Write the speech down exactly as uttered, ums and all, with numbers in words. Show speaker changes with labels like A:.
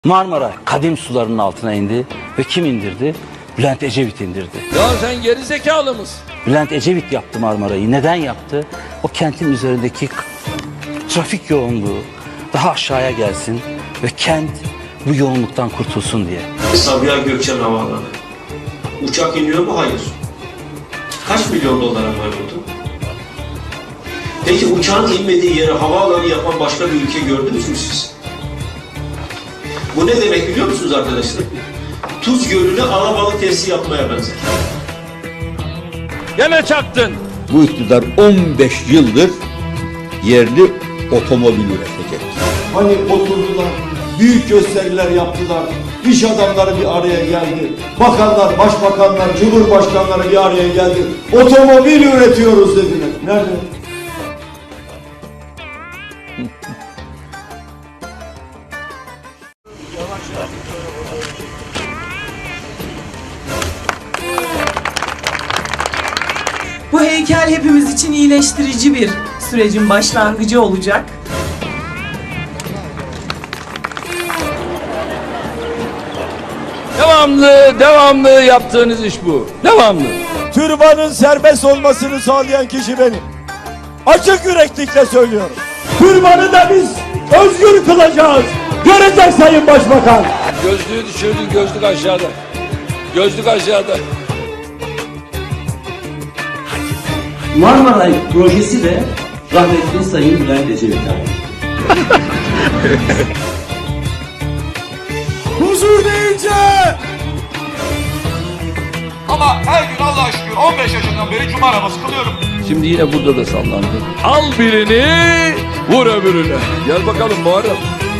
A: Marmara kadim sularının altına indi ve kim indirdi? Bülent Ecevit indirdi.
B: Ya sen geri zekalı mısın?
A: Bülent Ecevit yaptı Marmara'yı. Neden yaptı? O kentin üzerindeki trafik yoğunluğu daha aşağıya gelsin ve kent bu yoğunluktan kurtulsun diye.
C: Sabiha Gökçen Havaalanı. Uçak iniyor mu? Hayır. Kaç milyon dolara mal oldu? Peki uçağın inmediği yere havaalanı yapan başka bir ülke gördünüz mü siz? Bu ne demek biliyor musunuz arkadaşlar? Tuz Gölü'nü alabalık testi yapmaya benzer.
B: Gene çaktın.
D: Bu iktidar on beş yıldır yerli otomobil üretecek.
E: Hani oturdular, büyük gösteriler yaptılar, iş adamları bir araya geldi, bakanlar, başbakanlar, cumhurbaşkanları bir araya geldi, otomobil üretiyoruz dediler. Nerede?
F: Bu heykel hepimiz için iyileştirici bir sürecin başlangıcı olacak.
B: Devamlı, devamlı yaptığınız iş bu. Devamlı.
E: Türbanın serbest olmasını sağlayan kişi benim. Açık yüreklikle söylüyorum. Türbanı da biz özgür kılacağız. Görecek Sayın Başbakan.
B: Gözlüğü düşürdün, gözlük aşağıda. Gözlük aşağıda.
G: Marmaray projesi de rahmetli Sayın Bülent Ecevit'e ait.
E: Huzur deyince
H: Ama her gün Allah'a şükür on beş yaşından beri cuma namazı kılıyorum.
B: Şimdi yine burada da sallandı. Al birini, vur öbürüne. Gel bakalım Muharrem.